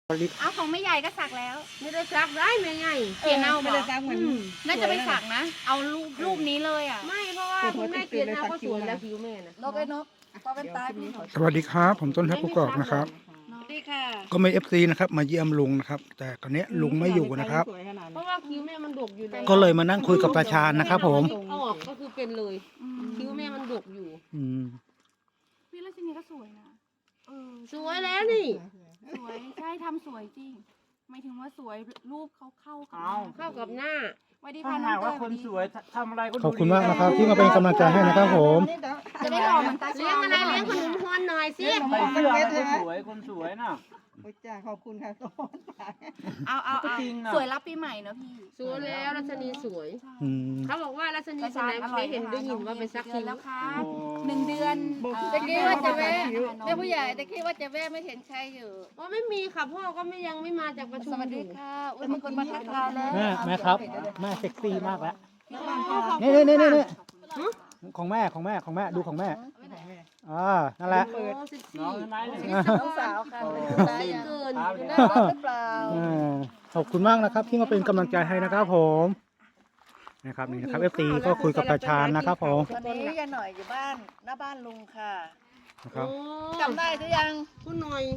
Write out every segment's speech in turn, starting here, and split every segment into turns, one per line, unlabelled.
เอาของไม่ใหญ่ก็สักแล้ว
ไม่ได้ซักได้ไม่ไง
เขียนเอา
ไม่ได้ซักเหมือน
น่าจะไปสักนะเอารูปนี้เลยอ่ะ
ไม่เพราะว่าคุณแม่เขียนเอาก็สวยแล้วผิวแม่นะ
นกไอ้นกพอเป็นตายพี่
สวัสดีครับผมต้นทัพกุกอกนะครับ
ดีค่ะ
ก็มีFCนะครับมาเยี่ยมลุงนะครับแต่ตอนนี้ลุงไม่อยู่นะครับ
เพราะว่าคิ้วแม่มันดกอยู่แล้ว
ก็เลยมานั่งคุยกับตาชาญนะครับผม
เอาออกก็คือเป็นเลยคิ้วแม่มันดกอยู่
พี่รัชนีก็สวยนะ
สวยแล้วนี่
สวยใช่ทำสวยจริงหมายถึงว่าสวยรูปเขาเข้ากับ
เข้ากับหน้า
สวัสดี
ถ้า
ค่ะ
หากว่าคนสวยทำอะไรก็ดู
ขอบคุณมากนะครับที่มาเป็นกำลังใจให้นะครับผม
จะได้หล่อเหมือนตา
เลี้ยงอะไรเลี้ยงขนมฮอนหน่อยสิ
ใส่เสื้ออะไรก็สวยคนสวยน่ะ
โอ้ยจ้าขอบคุณค่ะต้น
เอา
ก็จริงนะ
สวยรับปีใหม่เนอะพี่
สวยแล้วรัชนีสวย
อืม
เขาบอกว่ารัชนีคนไหนไม่เห็นได้ยินว่าไปซักคิ้ว
แล้วค่ะ1 เดือน
ตะกี้ว่าจะแวะแม่ผู้ใหญ่ตะกี้ว่าจะแวะไม่เห็นใครอยู่
ว่าไม่มีค่ะพ่อก็ยังไม่มาจากประชุ
ส
ม
วัส
อ
ดี
ยู่
ค่ะอุ้ยมีคนมาทักทายแล้ว
แม่ครับแม่เซ็กซี่มากแล้ว
นี่
นี่ของแม่ดูของแม่นั่นแหละ
โอ้สิบ
น้
สี่
องใช่ไหมเนี่ย
น้องสาวค่ะตายอย่าง
เกิน
อยู่หน้าบ้านหรือเปล่า
ขอบคุณมากนะครับที่มาเป็นกำลังใจให้นะครับผมนะครับนี่นะครับ FC ก็คุยกับตาชาญนะครับผม
วันนี้ยายหน่อยอยู่บ้านหน้าบ้านลุงค่ะ
นะครับ
จำได้หรือยัง
คุณหน่อย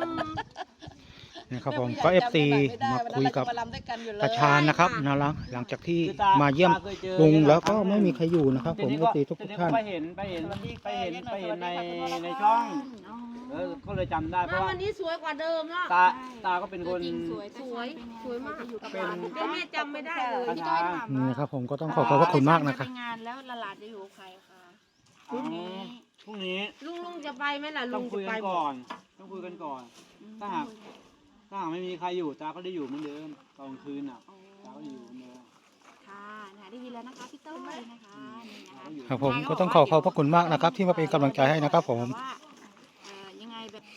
นี่ครับผมก็ FC มาคุยกับ
มาลำด้วยกันอยู่เลย
ตาชาญนะครับนะหลังจากที่มาเยี่ยมลุงแล้วก็ไม่มีใครอยู่นะครับผม FC ทุกท่าน
ไปเห็นในช่องก็เลยจำได้เพ
มา
ราะว่า
วันนี้สวยกว่าเดิมเนาะ
ตาก็เป็นคน
จริงสวย
สวยมาก
เป็น
แต่แม่จำไม่ได้เลย
ตา
พี่
ชา
ต้อย
ญ
ถาม
นี่ครับผมก็ต้องขอบพระคุณมากนะครับ
ไปงานแล้วหลานจะอยู่กับใครคะ
พรุ่งนี้
ลุงจะไปไหมล่ะ
ต้
ลุ
อง
ง
คุ
จะ
ย
ไป
กันก่อนถ้าหากไม่มีใครอยู่ตาก็ได้อยู่เหมือนเดิมตอนคืนน่ะตาก็อยู่เหมือนเดิม
ค่ะได้ยินแล้วนะคะพี่ต้อยนะคะนี่นะคะ
ครับผมก็ต้องขอบพระคุณมากนะครับที่มาเป็นกำลังใจให้นะครับผม
ว่ายังไงแบบ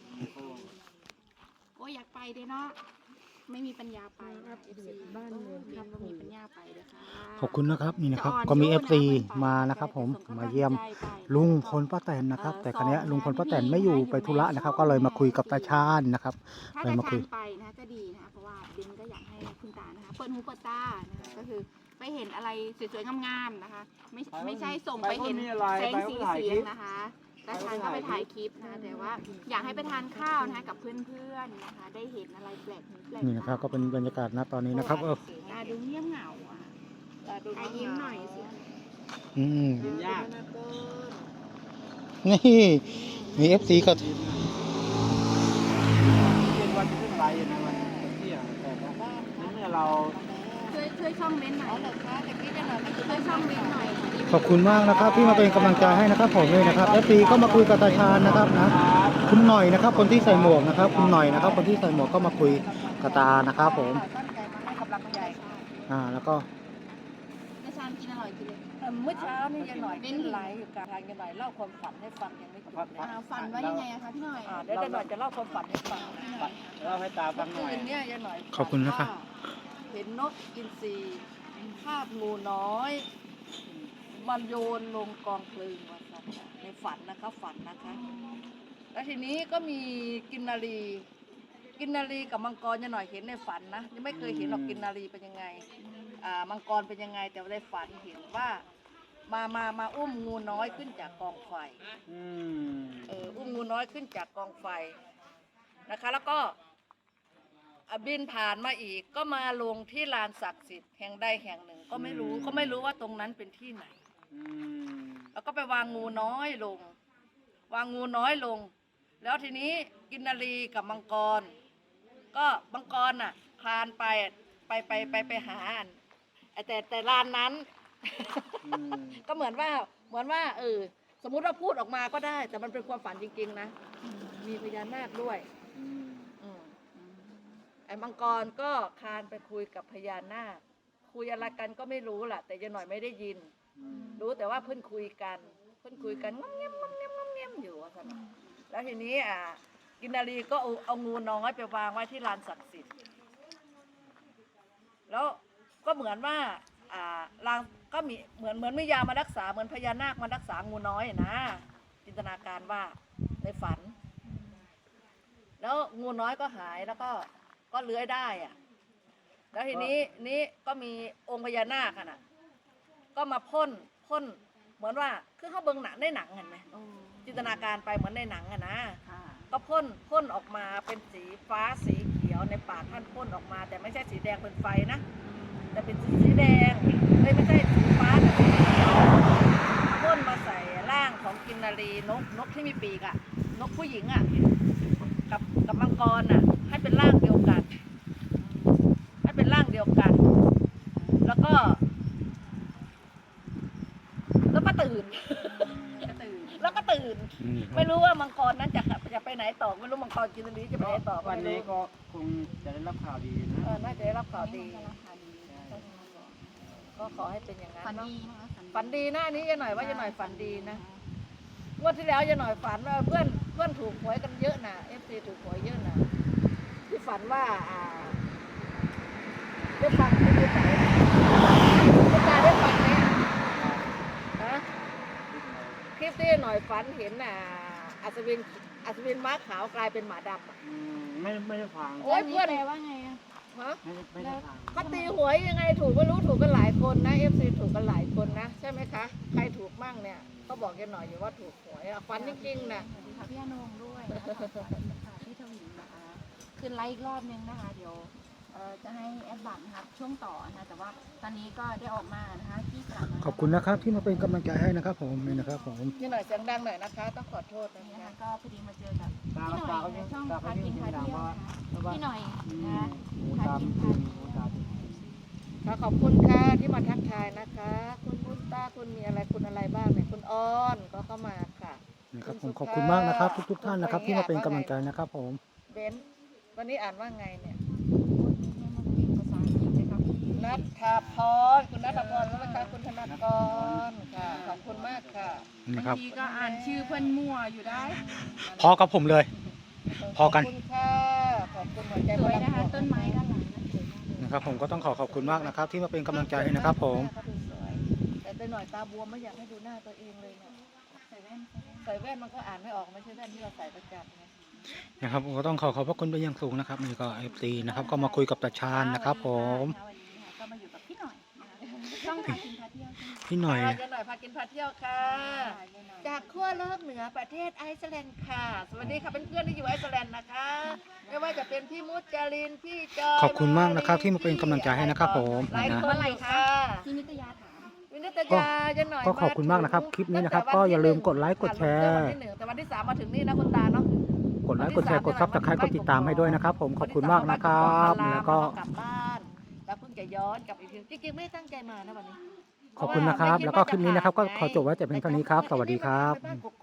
โอ้ยอยากไปเด้เนาะไม่มีปัญญาไปบ้านเมืองทำก็มีปัญญาไปเด้อค่ะ
ขอบคุณนะครับนี่นะครับก็มี FC มานะครับผมมาเยี่ยมลุงพลป้าแตนนะครับแต่ครั้นี้ลุงพลป้าแตนไม่อยู่ไปธุระนะครับก็เลยมาคุยกับตาชาญนะครับ
ถ้า
เลย
จะ
มาคุ
ทาย นไปนะก็ดีนะคะเพราะว่าเบนก็อยากให้คุณตานะคะเปิดหูเปิดตานะคะก็คือไปเห็นอะไรสวยๆงามๆนะคะไม่ใช่ส่งไปเห็นแสงสีเสียงนะคะตาชาญก็ไปถ่ายคลิปนะแต่ว่าอยากให้ไปทานข้าวนะคะกับเพื่อนๆนะคะได้เห็นอะไรแปลกหูแปลก
นี่นะครับก็เป็นบรรยากาศณตอนนี้นะครับ
ตาดูเงียบเหงาอ่ะตายิ้มหน่อยสิ
กินยาก
นี่มี FC ก็
เป็นวันที่ขึ้นไปนะวันเที่ยงแต่เมื่อเรา
ช่วยช่องเม้นหน่อย
เหรอคะตะกี้ยายหน่อยไม่
ช่วยช่องเม้นหน่อย
ขอบคุณมากนะครับที่มาเป็นกำลังใจให้นะครับผมเลยนะครับ FC ก็มาคุยกับตาชาญนะครับนะคุณหน่อยนะครับคนที่ใส่หมวกนะครับคุณหน่อยนะครับคนที่ใส่หมวกก็มาคุยกับตานะครับผม
ตั้งใจมาให้กำลังใจค่ะ
แล้วก็
ตาชาญกินอร่อยกินเลย
เมื่อเช้านี่ยายหน่อยเป็นไหลอยู่กลางทางยายหน่อยเล่าความฝันให้ฟังยังไม่จบเลย
ฝันว่ายังไงอะคะพี่หน่อย
เดี๋ยวยายหน่อยจะเล่าความฝันให้ฟัง
เราให้ตาฟังหน่อย
คืนเนี่ยยายหน่อย
ขอบคุณนะครับ
เห็นนกอินทรีคาบงูน้อยมันโยนลงกองเพลิงว่าสัตว์ในฝันนะคะฝันนะคะ แล้วทีนี้ก็มีกินนารีกับมังกรยายหน่อยเห็นในฝันนะยังไม่เคยเห็นหรอกกินนารีเป็นยังไงมังกรเป็นยังไงแต่ว่าในฝันเห็นว่ามาอุ้มงูน้อยขึ้นจากกองไฟอุ้มงูน้อยขึ้นจากกองไฟนะคะ แล้วก็บินผ่านมาอีกก็มาลงที่ลานศักดิ์สิทธิ์แห่งใดแห่งหนึ่งก็ไม่รู้ว่าตรงนั้นเป็นที่ไหนแล้วก็ไปวางงูน้อยลง แล้วทีนี้กินนารีกับมังกรก็มังกรน่ะคลานไปหาแต่ลานนั้น ก็เหมือนว่าสมมุติว่าพูดออกมาก็ได้แต่มันเป็นความฝันจริงๆนะมีพญานาคด้วยไอ้มังกรก็คลานไปคุยกับพญานาคคุยอะไรกันก็ไม่รู้แหละแต่ยายหน่อยไม่ได้ยินรู้แต่ว่าเพิ่นคุยกันงอมเงียบอยู่ว่าซั่นแล้วทีนี้กินนารีก็เอางูน้อยไปวางไว้ที่ลานศักดิ์สิทธิ์แล้วก็เหมือนว่าลางก็มีเหมือนมียามารักษาเหมือนพญานาคมารักษางูน้อยนะจินตนาการว่าในฝันแล้วงูน้อยก็หายแล้วก็เลื้อยได้อะแล้วทีนี้ก็มีองค์พญานาคน่ะก็มาพ่นเหมือนว่าคือเขาเบิ่งหนังได้หนังเห็นไหม
โอ้
จินตนาการไปเหมือนในหนังอะนะ
ค่ะ
ก็พ่นออกมาเป็นสีฟ้าสีเขียวในปากท่านพ่นออกมา แต่ไม่ใช่สีแดงเป็นไฟนะแต่เป็นสีแดงไม่ใช่สีฟ้าแต่สีเขียวพ่นมาใส่ร่างของกินนารีนกที่มีปีกอะนกผู้หญิงอะกับมังกรอะให้เป็นร่างเดียวกันให้เป็นร่างเดียวกัน แล้วก็ตื่น
ก็ตื่น
แล้วก็ตื่น ไม่รู้ว่ามังกรนั้นจะไปไหนต่อไม่รู้มังกรกินนารีจะไปไหนต่อ
วัน
ไม่
นี้
รู้
ก็คงจะได้รับข่าวดีนะ
น่าจะได้รับข่าวดี
ราคาดี
ก็ขอให้เป็นอย่างนั้น
ฝัน
เนาะ
ดีนะคะ
ฝันดีนะอันนี้ยายหน่อยว่ายายหน่อยฝันดีนะงวดที่แล้วยายหน่อยฝันว่าเพื่อนถูกหวยกันเยอะนะFC ถูกหวยเยอะนะที่ฝันว่าได้ฟังที่ไหนคุณตาได้ฟังไหมนะคลิปที่หน่อยฝันเห็นอัศวินม้าขาวกลายเป็นหมาดำอะ
ไม่ได้ฟัง
โอ้ยเพื่อน
แปลว่าไงอะ
ฮะ
ไม่ได้ฟัง
เขาตีหวยยังไงถูกไม่รู้ถูกกันหลายคนนะ FC ถูกกันหลายคนนะใช่ไหมคะใครถูกมั่งเนี่ยก็บอกกันหน่อยอยู่ว่าถูกหวยฝันจริงๆนะ
สวัสดีค่ะพี่อนงด้วยนะคะสวัสดีค่ะพี่ทวินนะคะขึ้นไลฟ์อีกรอบนึงนะคะเดี๋ยวจะให้แอดบัตรนะครับช่วงต่อนะคะแต่ว่าตอนนี้ก็ได้ออกมานะคะที่สนาม
ขอบคุณนะครับที่มาเป็นกำลังใจให้นะครับผมนี่นะครับผม
นี่หน่อยเสียงดังหน่อยนะคะ ต้องขอโทษนะ
นี่นะคะ
คะ
ก็พอดีมาเจอกับ
ตา
พี่หน่
ตา
อย
เขา
ใน
ยัง
ช่อง
ตาเขา
พา
ยัง
กิน
เสีย
พาง
ดัง
เที่ยว
ว่า
นะคะพี่หน่อยนะคะ
หู
พา
ตาม
กิน
หู
พาเที่ยว
ตาม
ค่ะขอบคุณค่ะที่มาทักทายนะคะ คุณบุญตาคุณมีอะไรคุณอะไรบ้างเนี่ยคุณอ้อนก็เข้ามาค่ะ
นะครับผมขอบคุณมากนะครับทุกๆท่านนะครับที่มาเป็นกำลังใจนะครับผม
เบนซ์วันนี้อ่านว่าไงเนี่ย
ภาษาอังกฤษเลยค่ะพี่
นัทธพรคุณนัทพรแล้วนะคะคุณธนากรค่ะขอบคุณมากค่ะ
นะค
บา
รั
ง
บ
ทีก็อ่านชื่อเพื่อนมั่วอยู่ได้
พอกับผมเลย พอกัน
ขอบคุณค่ะขอบคุณหัวใจ
สวยนะคะต้นไม้ด้านหลังนะสวยมากเลย
นะครับผมก็ต้องขอบคุณมากนะครับที่มาเป็นกำลังใจให้นะครับผม
เขาดูสวยแต่ตัวหน่อยตาบวมไม่อยากให้ดูหน้าตัวเองเลยเนี่ย
ใส่แว่น
ใส่แว่นมันก็อ่านไม่ออกไม่ใช่แว่นที่เราใส่ประจำไง
นะครับผมก็ต้องขอบพระคุณเป็นอย่างสูงนะครับนี่ก็ FC นะครับก็มาคุยกับตาชาญนะครับผม
วันนี้ค่ะก็มาอยู่กับพี่หน่อยนะคะช่องพากินพาเที่ยวใช่ไหม
พี่หน่อย
เจ๊หน่อยพากินพาเที่ยวค่ะ จากขั้วโลกเหนือประเทศไอซ์แลนด์ค่ะ สวัสดีค่ะเพื่อนๆที่อยู่ไอซ์แลนด์นะคะ ไม่ว่าจะเป็นพี่มุจจารินพี่จอย
ขอบคุณมากนะครับที่มาเป็นกำลังใจให้นะครับผม
หลาย
นะ
คนอยู่ค่ะ
พี่นิตยาถาม
วินิตยาเจ๊หน่อย
ก็ขอบคุณมากนะครับคลิปนี้นะครับก็อย่าลืมกดไลค์กดแชร์
วันที่หนึ่งแต่วันที่ 3มาถึงนี่นะคุณตาเนาะ
กดไลค์กดแชร์กดซับสไครต์กดติดตามให้ด้วยนะครับผมขอบคุณมากนะครับแล้วก็
กลับบ้านแล้วเพิ่งจะย้อนกลับอีกทีจริงๆไม่ได้ตั้งใจมานะวันนี้
ขอบคุณนะครับแล้วก็คลิปนี้นะครับก็ขอจบไว้แต่เพียงเท่านี้ครับสวัสดีครับ
ไปบ้านกก